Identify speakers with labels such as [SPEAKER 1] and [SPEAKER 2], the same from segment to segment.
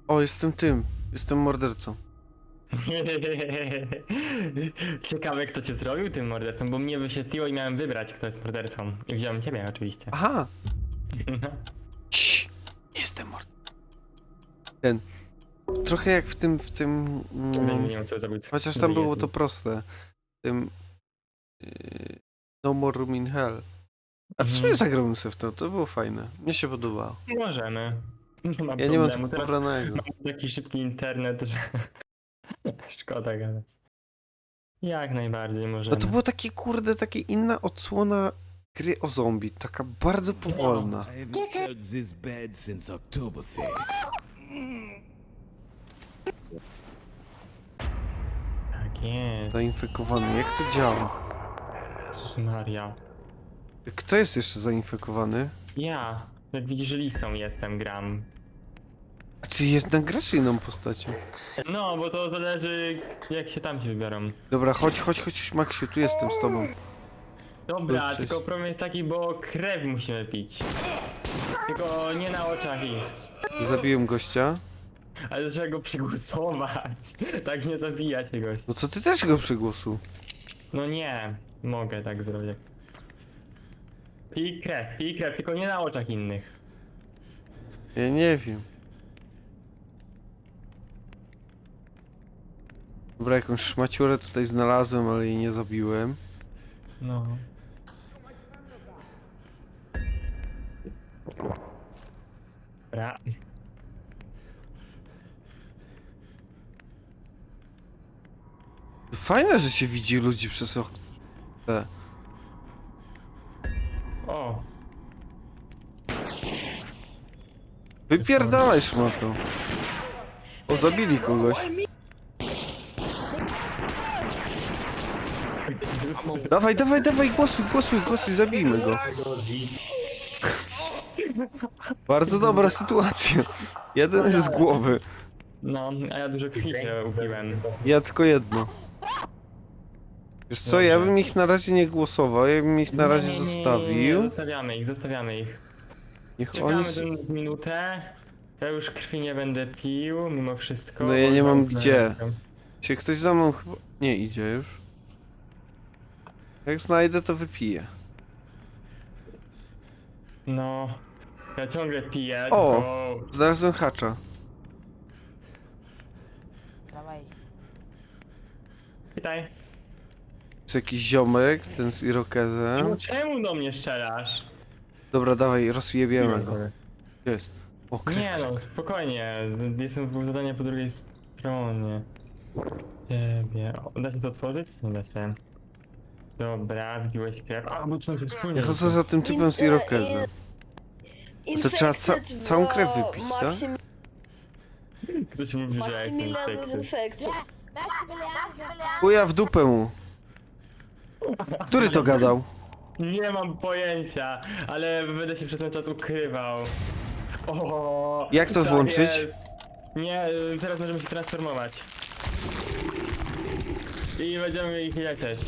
[SPEAKER 1] O, jestem tym. Jestem mordercą.
[SPEAKER 2] Ciekawe, kto cię zrobił tym mordercą, bo mnie wyświetliło i miałem wybrać, kto jest mordercą. I wziąłem ciebie oczywiście.
[SPEAKER 1] Aha! Cii, jestem mordercą. Ten. Trochę jak w tym.
[SPEAKER 2] Nie wiem, co zabójca.
[SPEAKER 1] Chociaż tam było to proste. W tym. No More Room in Hell. A w sumie zagrałbym sobie w to było fajne. Mnie się podobało.
[SPEAKER 2] Możemy. Nie ma
[SPEAKER 1] Ja nie mam
[SPEAKER 2] problemu.
[SPEAKER 1] tylko
[SPEAKER 2] Teraz
[SPEAKER 1] pobranego.
[SPEAKER 2] mam taki szybki internet, że szkoda gadać. Jak najbardziej
[SPEAKER 1] No
[SPEAKER 2] możemy.
[SPEAKER 1] to było takie kurde, takie inna odsłona gry o zombie. Taka bardzo powolna.
[SPEAKER 3] I haven't felt this bad since Oktoberfest.
[SPEAKER 2] Tak jest.
[SPEAKER 1] Zainfekowany. Jak to działa?
[SPEAKER 2] Jezus Maria.
[SPEAKER 1] Kto jest jeszcze zainfekowany?
[SPEAKER 2] Ja. Jak widzisz, listą jestem, gram.
[SPEAKER 1] A czy jednak grasz inną postacią?
[SPEAKER 2] No, bo to zależy, jak się tam ci wybiorą.
[SPEAKER 1] Dobra, chodź, Maksiu, tu jestem z tobą.
[SPEAKER 2] Dobra,
[SPEAKER 1] Cześć.
[SPEAKER 2] tylko problem jest taki, bo krew musimy pić. Tylko nie na oczach ich.
[SPEAKER 1] Zabiłem gościa.
[SPEAKER 2] Ale trzeba go przygłosować. Tak nie zabija się gość.
[SPEAKER 1] No to ty też go przygłosuj.
[SPEAKER 2] No nie, mogę tak zrobić. Pij krew, tylko nie na oczach innych.
[SPEAKER 1] Ja nie wiem. Dobra, jakąś szmaciurę tutaj znalazłem, ale jej nie zabiłem.
[SPEAKER 2] No. Dobra.
[SPEAKER 1] Fajne, że się widzi ludzi przez okno.
[SPEAKER 2] O,
[SPEAKER 1] Wypierdalaj szmatą. O, zabili kogoś. Dawaj, głosuj, zabijmy go. Bardzo dobra sytuacja. Jeden jest z głowy.
[SPEAKER 2] no, a ja dużo krwi się upiłem.
[SPEAKER 1] Ja tylko jedno. Wiesz co, ja bym ich na razie nie głosował, ja bym ich na razie
[SPEAKER 2] Nie,
[SPEAKER 1] zostawił.
[SPEAKER 2] zostawiamy ich.
[SPEAKER 1] Niech
[SPEAKER 2] Czekamy
[SPEAKER 1] oni...
[SPEAKER 2] tę minutę. Ja już krwi nie będę pił, mimo wszystko.
[SPEAKER 1] No ja
[SPEAKER 2] bo
[SPEAKER 1] nie mam
[SPEAKER 2] tam-
[SPEAKER 1] gdzie. Się ktoś za mną chyba... Nie idzie już. Jak znajdę, to wypiję.
[SPEAKER 2] No, ja ciągle piję,
[SPEAKER 1] O!
[SPEAKER 2] tylko...
[SPEAKER 1] Znalazłem hacza.
[SPEAKER 4] Dawaj.
[SPEAKER 2] Witaj.
[SPEAKER 1] Jest jakiś ziomek, ten z irokezem.
[SPEAKER 2] No czemu do mnie strzelasz?
[SPEAKER 1] Dobra, dawaj, rozjebiemy go. Gdzie jest? O, krew.
[SPEAKER 2] Nie no, spokojnie. Jestem w zadanie po drugiej stronie. Ciebie. O, da się to otworzyć? Nie da się. Dobra, wbiłeś krew. A, bo to się wspólnie.
[SPEAKER 1] Ja chodzę za tym typem z irokezem. To trzeba całą krew wypić, tak?
[SPEAKER 2] Ktoś mówi, że ja jestem
[SPEAKER 5] Maksymilian
[SPEAKER 2] seksy.
[SPEAKER 5] Infekcjus.
[SPEAKER 1] Chuja w dupę mu. Który to gadał?
[SPEAKER 2] Nie mam pojęcia, ale będę się przez ten czas ukrywał. O,
[SPEAKER 1] Jak to
[SPEAKER 2] tak
[SPEAKER 1] włączyć?
[SPEAKER 2] jest. Nie, teraz możemy się transformować. I będziemy ich lecieć.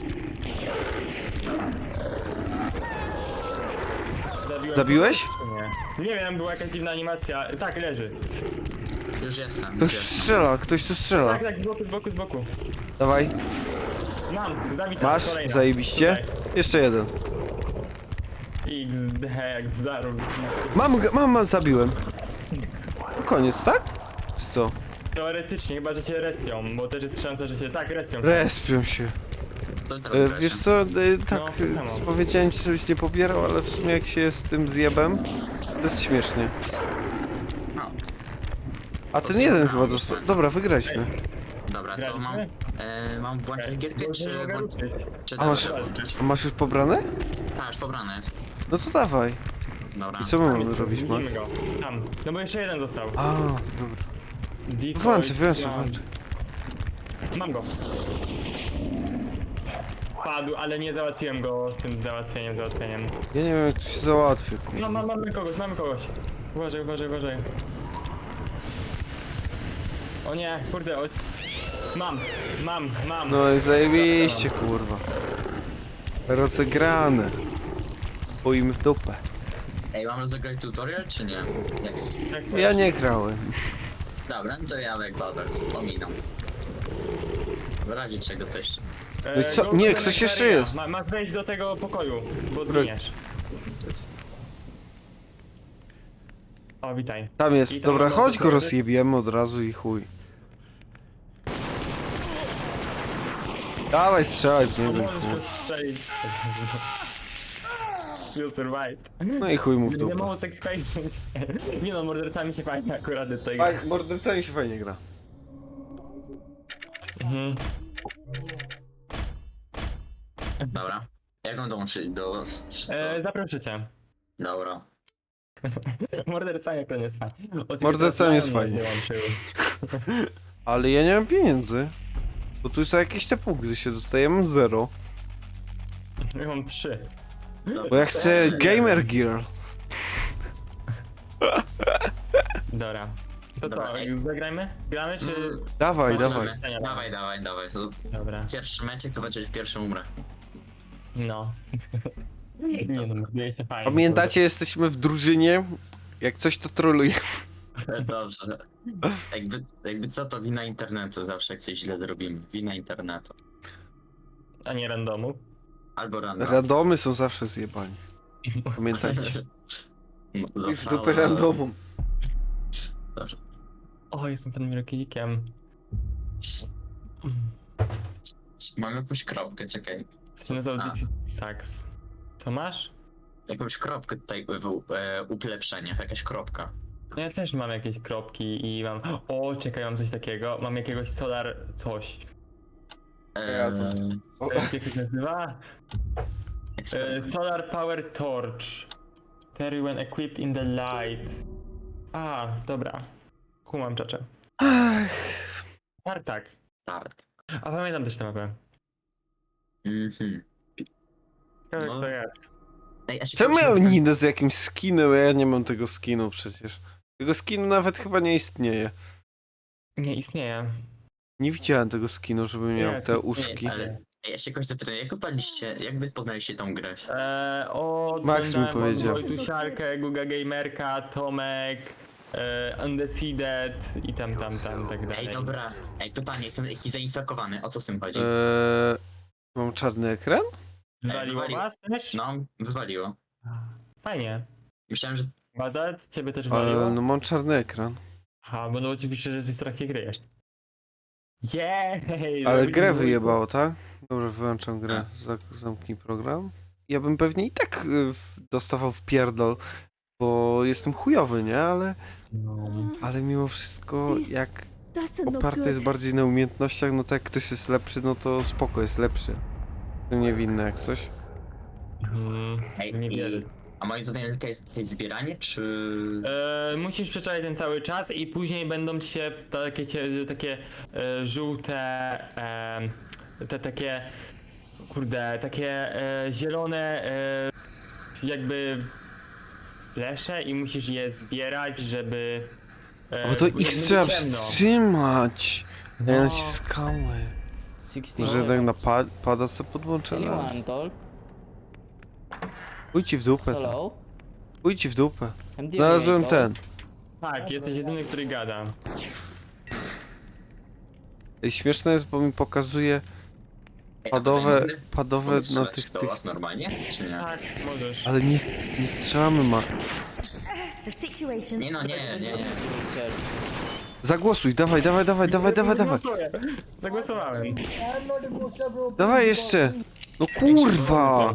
[SPEAKER 1] Zabiłeś?
[SPEAKER 2] Czy nie? Nie wiem, była jakaś dziwna animacja. Tak, leży.
[SPEAKER 6] Już jestem.
[SPEAKER 1] Ktoś tu strzela.
[SPEAKER 2] Tak, tak, z boku.
[SPEAKER 1] Dawaj,
[SPEAKER 2] Mam, zabita.
[SPEAKER 1] masz,
[SPEAKER 2] kolejna.
[SPEAKER 1] zajebiście. Jeszcze jeden.
[SPEAKER 2] Tutaj. XD, jak zdarł.
[SPEAKER 1] Mam, zabiłem. Koniec, tak? Czy co?
[SPEAKER 2] Teoretycznie, chyba że się respią, bo też jest szansa, że się... Tak, respią.
[SPEAKER 1] Respią się.
[SPEAKER 6] To teraz
[SPEAKER 1] Wiesz co, tak,
[SPEAKER 2] No, to samo.
[SPEAKER 1] powiedziałem ci, żebyś nie pobierał, ale w sumie jak się jest z tym zjebem, to jest śmiesznie.
[SPEAKER 6] No,
[SPEAKER 1] A ten jeden chyba został. Dobra, wygraliśmy.
[SPEAKER 6] dobra, to
[SPEAKER 2] Graliśmy?
[SPEAKER 6] mam włączyć gierkę,
[SPEAKER 2] Bo
[SPEAKER 6] czy
[SPEAKER 2] nie mogę
[SPEAKER 6] włączyć?
[SPEAKER 2] ruszyć.
[SPEAKER 6] Czy
[SPEAKER 1] A
[SPEAKER 6] teraz
[SPEAKER 1] masz,
[SPEAKER 6] włączyć?
[SPEAKER 1] a masz już pobrane?
[SPEAKER 6] A, już pobrane jest.
[SPEAKER 1] No to dawaj.
[SPEAKER 6] Dobra.
[SPEAKER 1] I co my mamy robić, Max?
[SPEAKER 2] Widzimy go. Tam. No bo jeszcze jeden został.
[SPEAKER 1] A, dobra.
[SPEAKER 2] Decoy
[SPEAKER 1] Włączę.
[SPEAKER 2] Slam. Mam go. Padł, ale nie załatwiłem go z tym załatwieniem.
[SPEAKER 1] Ja nie wiem jak to się załatwi, kurwa.
[SPEAKER 2] No, mamy kogoś. Uważaj. O nie, kurde, mam.
[SPEAKER 1] No i zajebiście, kurwa. Rozegrane. Boimy w dupę.
[SPEAKER 6] Ej, mamy zagrać tutorial, czy nie? Jak...
[SPEAKER 2] Jak
[SPEAKER 1] Ja nie grałem.
[SPEAKER 6] Dobra, no to ja Ekwador, pominam. W razie czego coś.
[SPEAKER 1] No i co?
[SPEAKER 2] Go
[SPEAKER 1] Nie,
[SPEAKER 2] do
[SPEAKER 1] ktoś jeszcze
[SPEAKER 2] Nektaria.
[SPEAKER 1] jest.
[SPEAKER 2] Masz wejść do tego pokoju, bo
[SPEAKER 1] Dobra.
[SPEAKER 2] zginiesz. O, witaj.
[SPEAKER 1] Tam
[SPEAKER 2] I
[SPEAKER 1] jest,
[SPEAKER 2] tam
[SPEAKER 1] dobra,
[SPEAKER 2] mamy
[SPEAKER 1] chodź go
[SPEAKER 2] dokładnie-
[SPEAKER 1] rozjebiemy od razu i chuj. Dawaj, strzelaj w
[SPEAKER 2] No
[SPEAKER 1] niego i
[SPEAKER 2] możesz
[SPEAKER 1] chuj.
[SPEAKER 2] go strzelić. You survived.
[SPEAKER 1] No i chuj mu w
[SPEAKER 2] Nie
[SPEAKER 1] dupę.
[SPEAKER 2] mało sekspejsów. Nie no, mordercami się fajnie akurat do tego.
[SPEAKER 1] Mordercami się fajnie gra.
[SPEAKER 2] Mhm.
[SPEAKER 6] Dobra. Jak mam dołączyć do...
[SPEAKER 2] Zaproszę cię.
[SPEAKER 6] Dobra.
[SPEAKER 2] Mordercami to nie jest fajnie. O, tylko
[SPEAKER 1] Mordercami jest
[SPEAKER 2] teraz
[SPEAKER 1] fajnie.
[SPEAKER 2] dołączył.
[SPEAKER 1] Ale ja nie mam pieniędzy. Bo tu są jakieś te punkty się dostajemy 0.
[SPEAKER 2] Ja mam 3.
[SPEAKER 1] Bo ja chcę Gamer Gear.
[SPEAKER 2] Dobra. To
[SPEAKER 6] Dobra,
[SPEAKER 2] co,
[SPEAKER 6] ej.
[SPEAKER 2] zagrajmy? Gramy czy...
[SPEAKER 1] Dawaj,
[SPEAKER 6] Możemy.
[SPEAKER 1] dawaj.
[SPEAKER 6] Dawaj. To
[SPEAKER 2] Dobra.
[SPEAKER 6] pierwszy meczek, to będzie pierwszy umrę.
[SPEAKER 2] No. Nie no, morduje się fajnie.
[SPEAKER 1] Pamiętacie, jesteśmy w drużynie. Jak coś to troluje.
[SPEAKER 6] Dobrze. Jakby co, to wina internetu zawsze jak coś źle zrobimy. Wina internetu.
[SPEAKER 2] A nie randomu.
[SPEAKER 6] Albo random.
[SPEAKER 1] Radomy są zawsze zjebani. Pamiętajcie.
[SPEAKER 6] No,
[SPEAKER 1] I w
[SPEAKER 6] zostało-
[SPEAKER 1] dupę randomu.
[SPEAKER 6] Dobrze.
[SPEAKER 2] O, jestem panem Rokizikiem.
[SPEAKER 6] Mam jakąś kropkę, czekaj.
[SPEAKER 2] To się nazywa
[SPEAKER 6] A.
[SPEAKER 2] DC Sax. Co masz?
[SPEAKER 6] Jakąś kropkę tutaj ulepszenia, jakaś kropka.
[SPEAKER 2] No ja też mam jakieś kropki i mam... O, czekaj, mam coś takiego. Mam jakiegoś solar coś.
[SPEAKER 1] Ja to-
[SPEAKER 2] Jak to się nazywa? Solar Power Torch. Terry when equipped in the light. A, dobra. Kumam czacze. Tartak.
[SPEAKER 6] Tak.
[SPEAKER 2] A pamiętam też tę mapę.
[SPEAKER 6] Mhm.
[SPEAKER 2] Jak
[SPEAKER 6] No.
[SPEAKER 2] to jest?
[SPEAKER 6] Ej, a się
[SPEAKER 1] Czemu miał
[SPEAKER 6] pomyślałem-
[SPEAKER 1] Ninę z jakimś skinem? Ja nie mam tego skinu przecież. Tego skinu nawet chyba nie istnieje.
[SPEAKER 2] Nie istnieje.
[SPEAKER 1] Nie widziałem tego skinu, żeby miał
[SPEAKER 2] Nie,
[SPEAKER 1] te
[SPEAKER 2] nie,
[SPEAKER 1] uszki.
[SPEAKER 6] Ale ej, ja się kogoś zapytam, jak wy poznaliście tą grę?
[SPEAKER 2] O,
[SPEAKER 1] Max mi powiedział.
[SPEAKER 2] Wojtusiarkę, Guga Gamerka, Tomek, Undecited i tam, tak dalej.
[SPEAKER 6] Ej, dobra. Ej, pytanie, jestem jakiś zainfekowany, o co z tym chodzi?
[SPEAKER 1] Mam czarny ekran?
[SPEAKER 2] Wywaliło
[SPEAKER 6] wywaliło.
[SPEAKER 2] was też?
[SPEAKER 6] No, wywaliło.
[SPEAKER 2] Fajnie.
[SPEAKER 6] Myślałem, że...
[SPEAKER 2] Bazalt, ciebie też waliło?
[SPEAKER 1] No mam czarny ekran.
[SPEAKER 2] Aha, bo no oczywiście, że jesteś w trakcie gry jeszcze. Jej!
[SPEAKER 1] Ale grę wyjebało, tak? Dobra, wyłączam grę. Zamknij program. Ja bym pewnie i tak dostawał w pierdol, bo jestem chujowy, nie? Ale mimo wszystko, jak
[SPEAKER 4] Doesn't look
[SPEAKER 1] oparte jest
[SPEAKER 4] good.
[SPEAKER 1] bardziej na umiejętnościach, no to jak ktoś jest lepszy, no to spoko, jest lepszy. To niewinne jak coś.
[SPEAKER 6] Ej,
[SPEAKER 2] Nie wierzę.
[SPEAKER 6] A moim zdaniem jakieś zbieranie, czy...
[SPEAKER 2] Musisz przeczekać ten cały czas i później będą ci się takie żółte, takie, kurde, takie zielone jakby lesze i musisz je zbierać, żeby...
[SPEAKER 1] Bo to
[SPEAKER 2] później
[SPEAKER 1] X
[SPEAKER 2] będzie
[SPEAKER 1] trzeba
[SPEAKER 2] ciemno.
[SPEAKER 1] wstrzymać!
[SPEAKER 2] No.
[SPEAKER 1] Ja naciskałem.
[SPEAKER 5] 60
[SPEAKER 1] Może jednak na pada co podłączone?
[SPEAKER 5] Anyone talk?
[SPEAKER 1] Pójdź ci w dupę.
[SPEAKER 5] Hello?
[SPEAKER 1] Pójdź ci w dupę.
[SPEAKER 5] I'm the
[SPEAKER 1] Znalazłem
[SPEAKER 5] only
[SPEAKER 1] ten.
[SPEAKER 2] Tak, jesteś jedyny, który gada.
[SPEAKER 1] Ej, śmieszne jest, bo mi pokazuje
[SPEAKER 6] Ej, a
[SPEAKER 1] padowe
[SPEAKER 6] tutaj
[SPEAKER 1] na
[SPEAKER 6] mogę strzelać
[SPEAKER 1] tych,
[SPEAKER 6] do was normalnie, czy nie?
[SPEAKER 2] Tak, możesz.
[SPEAKER 1] Ale nie strzelamy ma.
[SPEAKER 4] The situation.
[SPEAKER 6] Nie no, nie.
[SPEAKER 5] Wheelchair.
[SPEAKER 1] Zagłosuj, dawaj.
[SPEAKER 2] Zagłosuję. Zagłosowałem.
[SPEAKER 1] Dawaj jeszcze! No kurwa!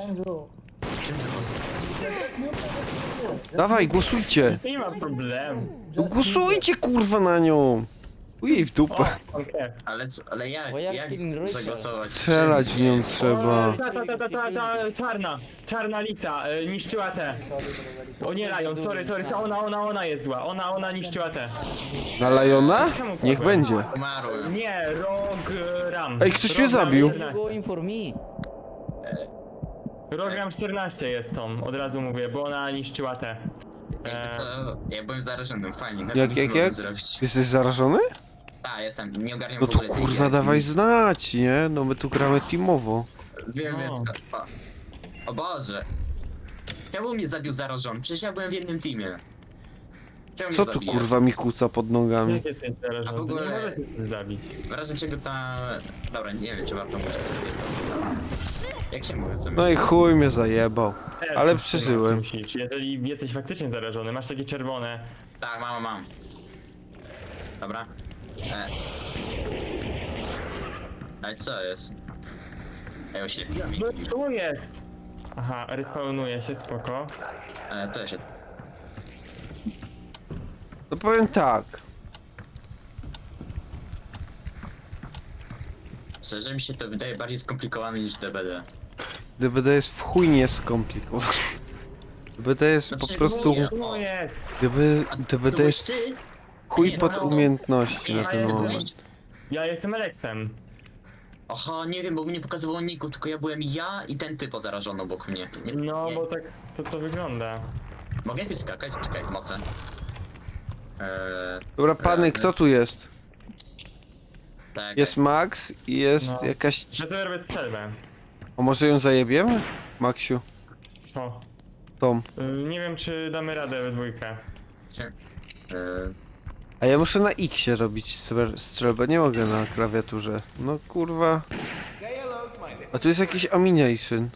[SPEAKER 1] Dawaj, głosujcie!
[SPEAKER 2] Nie ma problemu.
[SPEAKER 1] No głosujcie kurwa na nią! Ujej w dupę.
[SPEAKER 2] Okej.
[SPEAKER 6] Ale jak
[SPEAKER 5] Why are you killing
[SPEAKER 6] jak
[SPEAKER 5] Richard?
[SPEAKER 6] zagłosować?
[SPEAKER 1] Strzelać w nią trzeba.
[SPEAKER 2] Ta czarna lisa niszczyła te. O nie, Lion, sorry, to ona jest zła, ona niszczyła te.
[SPEAKER 1] Na Lajona?
[SPEAKER 2] Czemu
[SPEAKER 1] Niech
[SPEAKER 2] kłamałem?
[SPEAKER 1] będzie.
[SPEAKER 6] Umarłem.
[SPEAKER 2] Nie, Rogram.
[SPEAKER 1] Ej, ktoś mnie zabił.
[SPEAKER 5] You're going for me.
[SPEAKER 2] Rogram 14 jest tą, od razu mówię, bo ona niszczyła te.
[SPEAKER 6] Jakby co, ja byłem zarażonym, fajnie.
[SPEAKER 1] Jak?
[SPEAKER 6] Zrobić.
[SPEAKER 1] Jesteś zarażony?
[SPEAKER 6] Tak, jestem, nie ogarniam
[SPEAKER 1] No
[SPEAKER 6] w
[SPEAKER 1] to
[SPEAKER 6] ogóle tej
[SPEAKER 1] kurwa
[SPEAKER 6] gry.
[SPEAKER 1] dawaj znać, nie? No my tu gramy teamowo.
[SPEAKER 6] Wiem,
[SPEAKER 2] No.
[SPEAKER 6] o Boże. Czemu mnie zabił zarażony? Przecież ja byłem w jednym teamie. Czemu
[SPEAKER 1] Co
[SPEAKER 6] mnie
[SPEAKER 1] tu
[SPEAKER 6] zabijasz?
[SPEAKER 1] kurwa mi kłóca pod nogami?
[SPEAKER 2] Jak jesteś
[SPEAKER 6] A
[SPEAKER 2] zarażony,
[SPEAKER 6] w
[SPEAKER 2] to nie
[SPEAKER 6] ogóle-
[SPEAKER 2] możesz się zabić.
[SPEAKER 6] W razie czego ta... Dobra, nie wiem, czy warto mówić sobie to. Jak się mówi, co
[SPEAKER 1] No i chuj mnie zajebał. Ale
[SPEAKER 2] Też
[SPEAKER 1] przeżyłem.
[SPEAKER 2] Musisz. Jeżeli jesteś faktycznie zarażony, masz takie czerwone.
[SPEAKER 6] Tak, mam. Dobra. Ale co jest? Ej, oślepiła mi.
[SPEAKER 2] No co jest? Aha, respawnuje się, spoko.
[SPEAKER 6] To się...
[SPEAKER 1] No powiem tak.
[SPEAKER 6] Szczerze mi się to wydaje bardziej skomplikowane niż DBD.
[SPEAKER 1] DBD jest w chuj nieskomplikowane. DBD jest po
[SPEAKER 6] Znaczy,
[SPEAKER 1] prostu...
[SPEAKER 6] mówię.
[SPEAKER 2] Co jest?
[SPEAKER 1] DBD jest
[SPEAKER 6] ty?
[SPEAKER 1] chuj
[SPEAKER 6] Nie,
[SPEAKER 1] pod
[SPEAKER 6] no.
[SPEAKER 1] umiejętności na
[SPEAKER 6] Ja
[SPEAKER 1] ten
[SPEAKER 6] jestem-
[SPEAKER 1] moment.
[SPEAKER 2] Ja jestem Alexem.
[SPEAKER 6] Aha, nie wiem, bo mi nie pokazywało niku, tylko ja byłem ja i ten typ zarażony obok mnie. Nie,
[SPEAKER 2] No,
[SPEAKER 6] nie.
[SPEAKER 2] bo tak to wygląda.
[SPEAKER 6] Mogę jakoś skakać? Czekaj, moce.
[SPEAKER 1] Dobra, pany, kto tu jest?
[SPEAKER 6] Tak.
[SPEAKER 1] Jest Max i jest
[SPEAKER 2] No.
[SPEAKER 1] jakaś...
[SPEAKER 2] Ja sobie robię strzelbę.
[SPEAKER 1] A może ją zajebiemy? Maxiu,
[SPEAKER 2] Co?
[SPEAKER 1] Tom.
[SPEAKER 2] Nie wiem, czy damy radę we dwójkę.
[SPEAKER 1] A ja muszę na X-ie robić strzelbę, nie mogę na klawiaturze. No kurwa. A tu jest jakiś amination.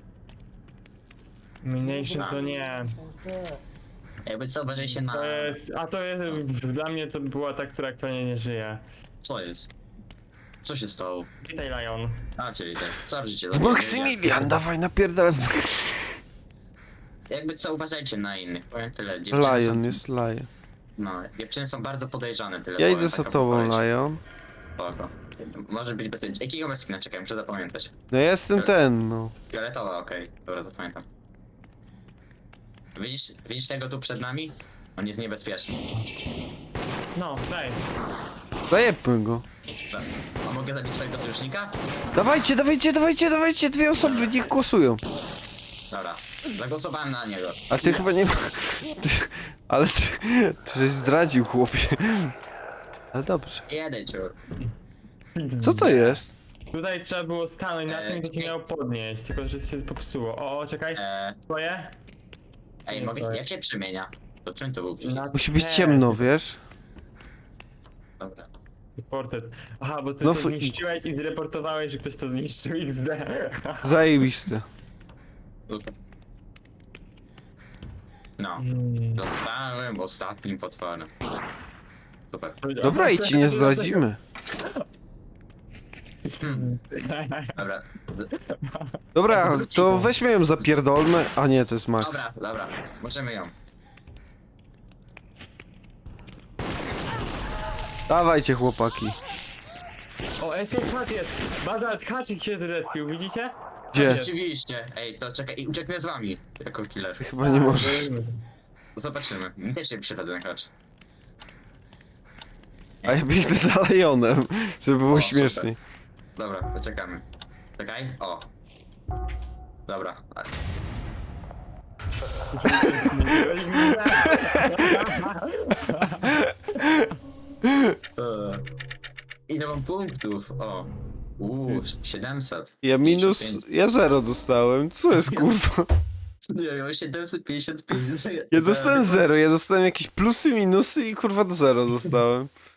[SPEAKER 2] Mination to nie.
[SPEAKER 6] Jakby co, uważaj się na...
[SPEAKER 2] To jest. A to jest. Dla mnie to była ta, która aktualnie nie żyje.
[SPEAKER 6] Co jest? Co się stało?
[SPEAKER 2] Witaj, Lion.
[SPEAKER 6] A, czyli tak. Co życie?
[SPEAKER 1] Maksymilian, dawaj napierdalaj.
[SPEAKER 6] Jakby co, uważajcie na innych, powiem tyle. Dziewczyny
[SPEAKER 1] Lion,
[SPEAKER 6] są...
[SPEAKER 1] jest Lion.
[SPEAKER 6] No, dziewczyny są bardzo podejrzane, tyle
[SPEAKER 1] Ja
[SPEAKER 6] powiem,
[SPEAKER 1] idę za
[SPEAKER 6] taka
[SPEAKER 1] tobą,
[SPEAKER 6] wypowiedź.
[SPEAKER 1] Lion.
[SPEAKER 6] Spoko. Może być bezpieczny. Jakiego meskina czekaj, muszę zapamiętać.
[SPEAKER 1] No ja jestem ten, no.
[SPEAKER 6] Fioletowa, okej. Dobra, zapamiętam. Widzisz tego tu przed nami? On jest niebezpieczny.
[SPEAKER 2] No, daj.
[SPEAKER 1] Zajebmy go.
[SPEAKER 6] Tak. A mogę zabić swojego sojusznika?
[SPEAKER 1] Dawajcie, dawajcie, dawajcie, dawajcie, dwie osoby, niech głosują.
[SPEAKER 6] Dobra. Zagłosowałem na niego.
[SPEAKER 1] A ty chyba nie... Ale ty żeś zdradził, chłopie. Ale dobrze.
[SPEAKER 6] Jeden ciur.
[SPEAKER 1] Co to jest?
[SPEAKER 2] Tutaj trzeba było stanąć na tym, to cię
[SPEAKER 6] czekaj.
[SPEAKER 2] miało podnieść, tylko że się popsuło. O, czekaj. Twoje?
[SPEAKER 6] Ej,
[SPEAKER 2] Nie
[SPEAKER 6] mogę,
[SPEAKER 2] stoi.
[SPEAKER 6] jak się przemienia? To czym to był przycisk?
[SPEAKER 2] Na
[SPEAKER 1] Musi być
[SPEAKER 2] T.
[SPEAKER 1] ciemno, wiesz?
[SPEAKER 6] Dobra.
[SPEAKER 2] Portret. Aha, bo ty
[SPEAKER 1] No
[SPEAKER 2] to
[SPEAKER 1] fu-
[SPEAKER 2] zniszczyłeś i zreportowałeś, że ktoś to zniszczył XD.
[SPEAKER 1] Zajebiste.
[SPEAKER 6] Super. No. Zostałem ostatnim potworem. Super.
[SPEAKER 1] Dobra, i ci nie zdradzimy.
[SPEAKER 6] Dobra.
[SPEAKER 1] Dobra, to weźmy ją zapierdolmy. A nie, to jest Max.
[SPEAKER 6] Dobra. Możemy ją.
[SPEAKER 1] Dawajcie, chłopaki.
[SPEAKER 2] O, Escape Hatch jest! Bazalt Hatchik się zrespił, widzicie?
[SPEAKER 1] Gdzie?
[SPEAKER 6] Rzeczywiście. Ej, to czekaj, i ucieknę z wami. Jako killer.
[SPEAKER 1] Chyba nie możesz.
[SPEAKER 6] Zobaczymy. Mi też się przyszedł ten hacz.
[SPEAKER 1] A ja biegnę za Lejonem, żeby było
[SPEAKER 6] O,
[SPEAKER 1] śmieszniej.
[SPEAKER 6] Dobra, to czekamy. Czekaj, o. Dobra. Ile mam punktów? O. 700.
[SPEAKER 1] Ja 0 dostałem. Co jest kurwa?
[SPEAKER 6] Nie, ja mam 755.
[SPEAKER 1] Ja dostałem 0, ja dostałem jakieś plusy, minusy i kurwa do 0 dostałem.